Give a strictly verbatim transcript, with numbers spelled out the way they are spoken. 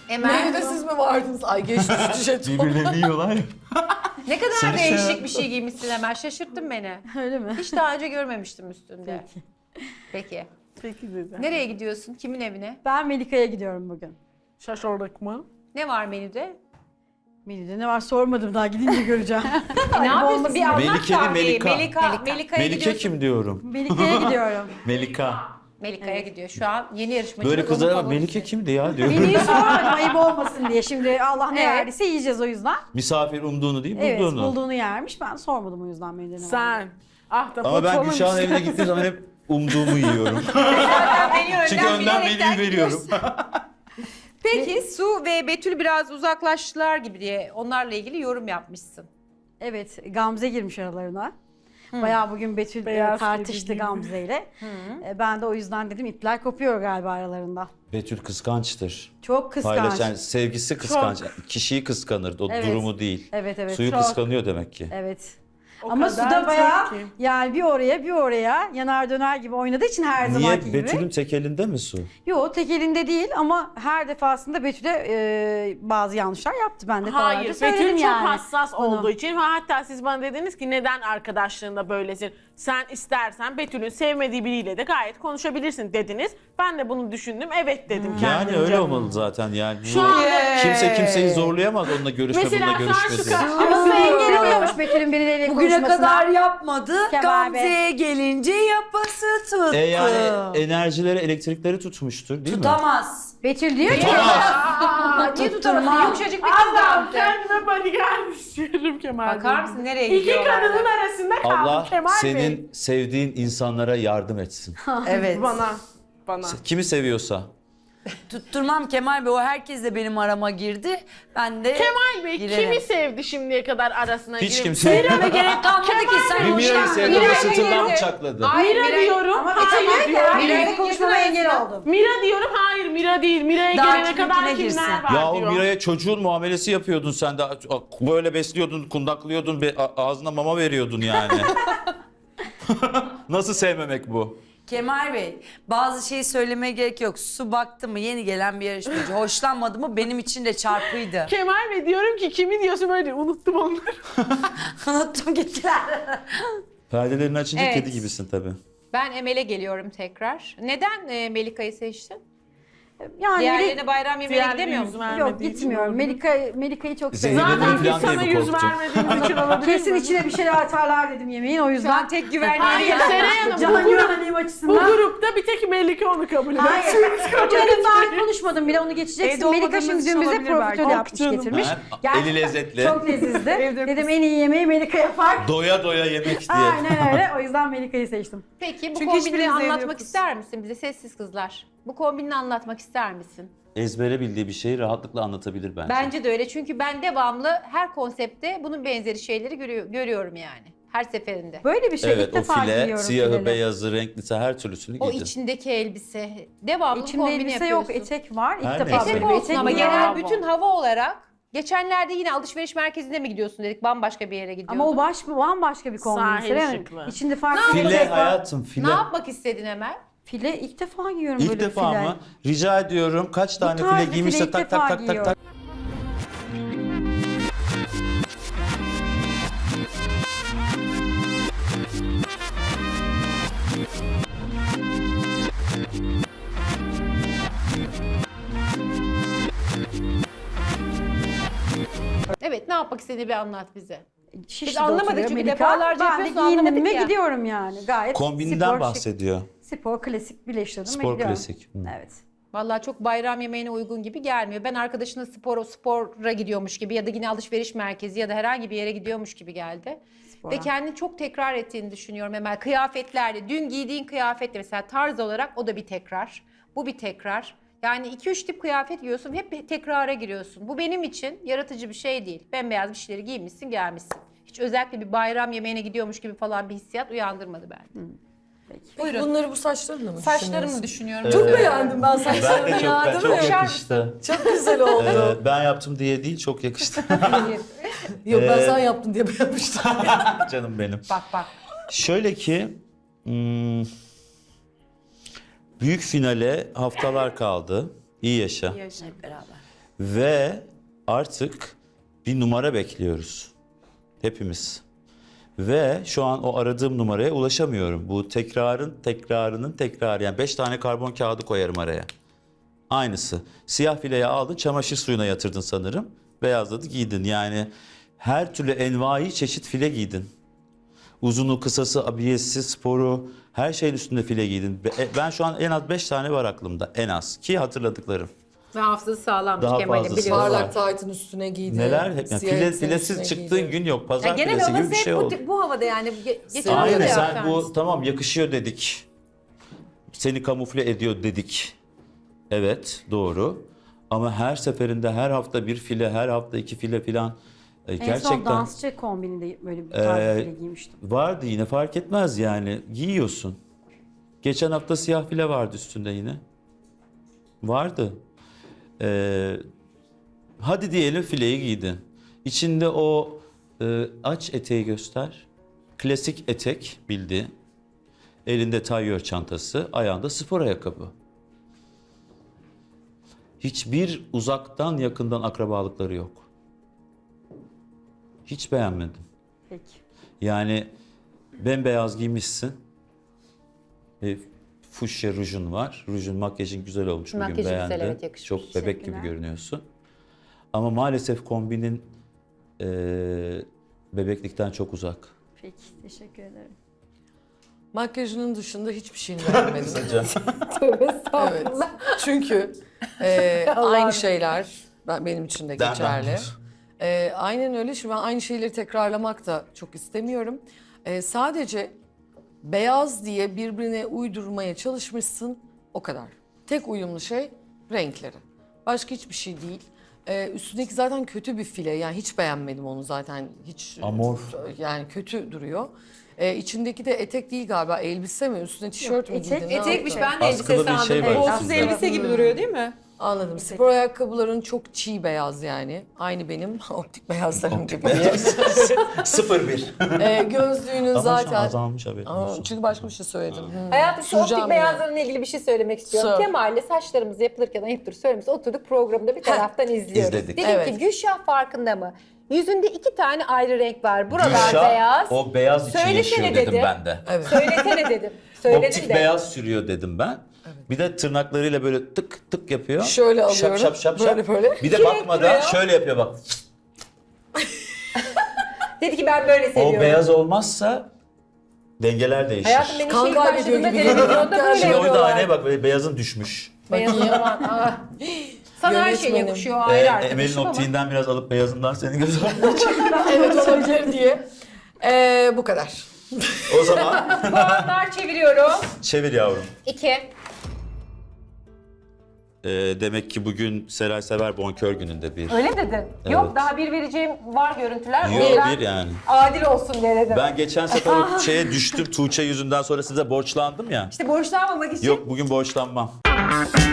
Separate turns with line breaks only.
Menüde siz mi vardınız? Ay geçmiş jeton.
Birbirlerini yiyorlar ya.
Ne kadar
Seni
değişik
seven-
bir şey giymişsin Emel. Şaşırttın beni.
Öyle mi?
Hiç daha önce görmemiştim üstünde.
Peki.
Peki.
Peki dedi.
Nereye gidiyorsun? Kimin evine?
Ben Melika'ya gidiyorum bugün.
Şaşırdık mı?
Ne var menüde?
Melide ne var sormadım daha gidince göreceğim.
E, ne yapıyorsun? Bir anlat
Melike mi,
kahveyi.
Melika?
Melika. Melika'ya
Melike
gidiyorsun.
kim diyorum?
Melika'ya gidiyorum.
Melika.
Melika'ya gidiyor. Şu an yeni yarışmacı.
Böyle kızlara bak, Melike kimdi ya diyor.
Menüyü sormadım ayıp olmasın diye. Şimdi Allah ne
Evet.
verdiyse yiyeceğiz o yüzden.
Misafir umduğunu değil,
Evet
bulduğunu.
bulduğunu yermiş. Ben sormadım o yüzden menüde ne var.
Sen. Ah da
Ama ben Gülşah'ın evine gittiğim zaman hep umduğumu yiyorum. Çünkü önden menüyü veriyorum.
Peki Su ve Betül biraz uzaklaştılar gibi diye onlarla ilgili yorum yapmışsın.
Evet Gamze girmiş aralarına. Bayağı bugün Betül e,
Beyaz
tartıştı
kedi gibi.
Gamze ile. E, Ben de o yüzden dedim ipler kopuyor galiba aralarında.
Betül kıskançtır.
Çok kıskanç.
Paylaşan, sevgisi kıskanç. Kişiyi kıskanır, o
Evet.
durumu değil.
Evet evet.
Suyu
çok.
kıskanıyor demek ki.
Evet.
O
Ama
kadar
suda bayağı
çok ki.
yani bir oraya bir oraya yanar döner gibi oynadığı için her zamanki
Niye?
gibi.
Betül'ün tek elinde mi su?
Yo tek elinde değil ama her defasında Betül'e e, bazı yanlışlar yaptı. Ben de
Hayır,
defalarca söyledim
Betül çok
yani.
hassas
bunu.
olduğu için ve hatta siz bana dediniz ki neden arkadaşlığında böylesin? Sen istersen Betül'ün sevmediği biriyle de gayet konuşabilirsin dediniz. Ben de bunu düşündüm, evet dedim
Yani
kendimce.
öyle olmalı zaten yani.
Şu
Bu-
anda-
Kimse kimseyi zorlayamaz onunla görüşme,
Mesela
bununla
karşı
görüşme diye.
karşıya
Ama engel oluyormuş Betül'ün birileriyle
Bugüne
konuşmasına.
kadar yapmadı.
Kemal Bey.
Gamze'ye gelince yapası tuttu.
E yani enerjileri, elektrikleri tutmuştur değil mi?
Tutamaz.
Betül diyor ki
Aa, niye tutamadın? Yumuşacık bir kız
Allah'ım
Gamze.
kendime bodyguard istiyorum Kemal Bey.
Bakar mısın nereye
İki
gidiyorlar?
kadının arasında kaldım
Allah
Kemal
senin
Bey.
sevdiğin insanlara yardım etsin.
Evet.
Bana, bana.
Kimi seviyorsa.
Tutturmam Kemal Bey. O herkes de benim arama girdi. Ben de
Kemal Bey
girerim.
kimi sevdi şimdiye kadar arasına
Hiç
girip-
kimse.
Ve gerek kalmadı ki sen
Bir Mira'yı
hoşlan-
sevdi,
Mira'yı
o sırtından
sevdi.
bıçakladı.
Hayır,
Mira
Miray-
diyorum,
ama
hayır
Betül
diyorum.
Mira'yla
Mira'yı
konuşmama
girdi
engel
arasına.
oldum.
Mira diyorum, hayır Mira değil. Mira'ya
Daha
gelene kadar
kiminkine
kimler
girsin.
var
Ya o
diyor.
Mira'ya çocuğun muamelesi yapıyordun sen de. Böyle besliyordun, kundaklıyordun, be- a- ağzına mama veriyordun yani. Nasıl sevmemek bu?
Kemal Bey, bazı şeyi söylemeye gerek yok. Su baktı mı yeni gelen bir yarışmacı. Hoşlanmadı mı benim için de çarpıydı.
Kemal Bey diyorum ki kimi diyorsun böyle diyor. Unuttum onları.
Unuttum gittiler.
Perdelerini açınca
Evet.
kedi gibisin tabii.
Ben Emel'e geliyorum tekrar. Neden e, Melika'yı seçtin?
Yani
Diğerlerine bayram yemeğine
Diğerleri
gidemiyor
yüz
musun?
vermediği
yok
için
gitmiyorum.
oldu.
Melika Melika'yı çok
Zeynep'in
seviyorum.
Zaten
falan
biz sana
diye mi
yüz
korktun?
vermediğimiz için olabilir
Kesin
mi?
içine bir şeyler atarlar dedim yemeğin o
Şu
yüzden.
an tek güvenliği
Hayır
yok.
Seray Hanım bu,
Can
grup,
güvenliğim
bu
açısından.
grupta bir tek Melike onu kabul eder.
Hayır. Canım daha konuşmadım bile onu geçeceksin.
Evde
Melika
olmadığımız
şimdi
için
dün bize
olabilir belki.
profiterol yapmış
Canım.
getirmiş.
Ha,
Gerçekten
eli lezzetli.
Çok lezizdi. Dedim en iyi yemeği Melika yapar.
Doya doya yemek diye.
Aynen öyle. O yüzden Melika'yı seçtim.
Peki bu
Çünkü
kombini
hiçbiriniz evde
anlatmak
yokuz.
ister misin bize sessiz kızlar? Bu kombini anlatmak ister misin?
Ezbere bildiği bir şeyi rahatlıkla anlatabilir bence.
Bence de öyle çünkü ben devamlı her konsepte bunun benzeri şeyleri görüyor- görüyorum yani. Her seferinde.
Böyle bir şey
Evet
ilk
o
defa
file,
giyiyorum
siyahı,
fileli.
beyazı, renklisi her türlüsünü
O
giydin.
içindeki elbise. Devamlı
İçimde
kombini
elbise yok,
yapıyorsun.
etek var. İlk
Her
defa
neyse.
böyle
Etek
bir
olsun
etek
ama
giyiyorum.
genel
Bravo.
bütün hava olarak. Geçenlerde yine alışveriş merkezine mi gidiyorsun dedik, bambaşka bir yere gidiyordun.
Ama o baş bambaşka bir kombin.
Sahil
Seren.
şıklı.
İçinde farklı bir
File
etek var.
hayatım file.
Ne yapmak istedin Emel?
File ilk defa giyiyorum
İlk
böyle
defa
file.
mı? Rica ediyorum kaç tane
tarz
file
bir
giymişse
file ilk
tak tak
defa
tak tak
giyiyorum.
tak.
Evet, ne yapmak istediğini bir anlat bize.
Şişli'de
Biz anlamadık
oturuyor
çünkü
Melika.
defalarca
Ben de
yapıyorsun,
giyindim
anlamadık
ve
ya.
gidiyorum yani. Gayet
Kombinden
spor, şık.
bahsediyor.
Spor klasik birleştirdim ve
Spor
gidiyorum.
klasik. Hı.
Evet.
Vallahi çok bayram yemeğine uygun gibi gelmiyor. Ben arkadaşına spor, spora gidiyormuş gibi ya da yine alışveriş merkezi ya da herhangi bir yere gidiyormuş gibi geldi.
Spora.
Ve kendini çok tekrar ettiğini düşünüyorum Emel. Kıyafetlerle, dün giydiğin kıyafetle mesela tarz olarak o da bir tekrar. Bu bir tekrar. Yani iki üç tip kıyafet giyiyorsun, hep tekrara giriyorsun. Bu benim için yaratıcı bir şey değil. Bembeyaz bir şeyleri giymişsin, gelmişsin. Hiç özellikle bir bayram yemeğine gidiyormuş gibi falan bir hissiyat uyandırmadı bende.
Buyurun.
Bunları bu saçlarınla mı
Saçlarımı düşünüyorum.
Çok beğendim ben
Ben
saçlarını
de çok,
ya,
ben
değil
çok
mi?
yakıştı.
Çok güzel oldu.
Ee, ben yaptım diye değil çok yakıştı.
Yok ben
Ee,
sen yaptın diye beğenmiştim.
Canım benim.
Bak bak.
Şöyle ki hmm, büyük finale haftalar kaldı. İyi yaşa.
Hep beraber.
Ve artık bir numara bekliyoruz. Hepimiz. Ve şu an o aradığım numaraya ulaşamıyorum. Bu tekrarın tekrarının tekrarı. Yani beş tane karbon kağıdı koyarım araya. Aynısı. Siyah fileyi aldın, çamaşır suyuna yatırdın sanırım. Beyazladı, giydin. Yani her türlü envai çeşit file giydin. Uzunu, kısası, abiyesi, sporu, her şeyin üstünde file giydin. Ben şu an en az beş tane var aklımda. En az. Ki hatırladıklarım.
Ve hafızası sağlammış
Daha
Kemal'in
fazlası
biliyorsun.
var.
Parlak taytın üstüne giydi.
Neler hep yani
siyah
file,
elbisenin
filesiz
üstüne
çıktığın
giydi.
gün yok. Pazar
Ya genel
filesi gibi
havası
bir
hep
şey
bu,
oldu.
bu havada yani. Ge- Geçen
Aynen
hafta
sen
yaptı.
bu tamam yakışıyor dedik. Seni kamufle ediyor dedik. Evet doğru. Ama her seferinde her hafta bir file, her hafta iki file filan. e,
En son
Gerçekten
dansçı kombininde böyle bir tarz
Ee,
file giymiştim.
vardı yine fark etmez yani. Giyiyorsun. Geçen hafta siyah file vardı üstünde yine. Vardı. Ee, hadi diyelim fileyi giydin. İçinde o e, aç eteği göster. Klasik etek bildi. Elinde tayyör çantası, ayağında spor ayakkabı. Hiçbir uzaktan yakından akrabalıkları yok. Hiç beğenmedim.
Peki.
Yani bembeyaz giymişsin. E, fuşya rujun var. Rujun, makyajın güzel olmuş. Bugün
Makyajı güzel,
beğendim.
evet, yakışmış.
Çok bebek gibi
Teşekkürler.
görünüyorsun. Ama maalesef kombinin e, bebeklikten çok uzak.
Peki. Teşekkür ederim.
Makyajının dışında hiçbir şeyini beğenmedim.
Tövbe
Evet.
estağfurullah.
Çünkü e,
Allah'ım.
aynı şeyler ben, benim için de
Demem.
geçerli. E, aynen öyle. Şimdi ben aynı şeyleri tekrarlamak da çok istemiyorum. E, sadece beyaz diye birbirine uydurmaya çalışmışsın, o kadar. Tek uyumlu şey renkleri. Başka hiçbir şey değil. E, üstündeki zaten kötü bir file. Yani hiç beğenmedim onu zaten. Hiç
Amorf.
yani kötü duruyor. E, içindeki de etek değil galiba, elbise mi? Üstüne tişört mü
etek-
giydin? ne
Etekmiş,
yaptın?
ben de elbise
Askılı bir
sandım.
şey var
Evet.
üstünde.
elbise gibi duruyor değil mi?
Anladım. Spor ayakkabıların çok çiğ beyaz yani. Aynı benim optik beyazlarım gibi.
sıfır bir.
e, gözlüğünün
Ama
zaten...
şu an azalmış haberin
Aa,
olsun.
çünkü başka bir şey söyledim. Hmm.
Hayatım şu
Süreceğim
optik
yine.
beyazlarla ilgili bir şey söylemek istiyorum.
Sor.
Kemal'le saçlarımız yapılırken ayıptır söylemesi oturduk programda bir taraftan izliyoruz.
İzledik.
Dedim
Evet.
ki Gülşah farkında mı? Yüzünde iki tane ayrı renk var. Buralar
Gülşah,
beyaz.
o beyaz için
Söylesene
yaşıyor dedim
dedi.
ben de.
Evet.
Söylesene dedim. Söyledim
Optik
de.
beyaz sürüyor dedim ben. Bir de tırnaklarıyla böyle tık tık yapıyor.
Şöyle alıyorum.
Şap şap şap
Böyle
şap.
böyle.
Bir de
İki
bakmadan
renk
şöyle yapıyor bak.
Dedi ki ben böyle seviyorum.
O beyaz olmazsa dengeler değişir.
Hayatım ben
Kan
işe ilk
kaybediyor
başladığımda
gibi
televizyonda
geliyor.
böyle
Şimdi o da
yapıyorlar.
aynaya bak böyle beyazın düşmüş.
Beyazın aman. ah. Sana her şey
Yönetmenim.
yakışıyor
Ee,
ayrı
Emel'in
arkadaşım ama.
optiğinden biraz alıp beyazından senin gözün.
Evet olabilir diye. E, bu kadar.
O zaman
Puanlar çeviriyorum.
çevir yavrum.
İki.
Ee, demek ki bugün Seray Sever bonkör gününde bir.
Öyle mi dedin?
Evet.
Yok daha bir vereceğim var görüntüler. O
Yok
yüzden
bir yani.
adil olsun diye dedim.
Ben geçen sefer o şeye düştüm Tuğçe yüzünden sonra size borçlandım ya.
İşte borçlanmamak için
Yok bugün borçlanmam.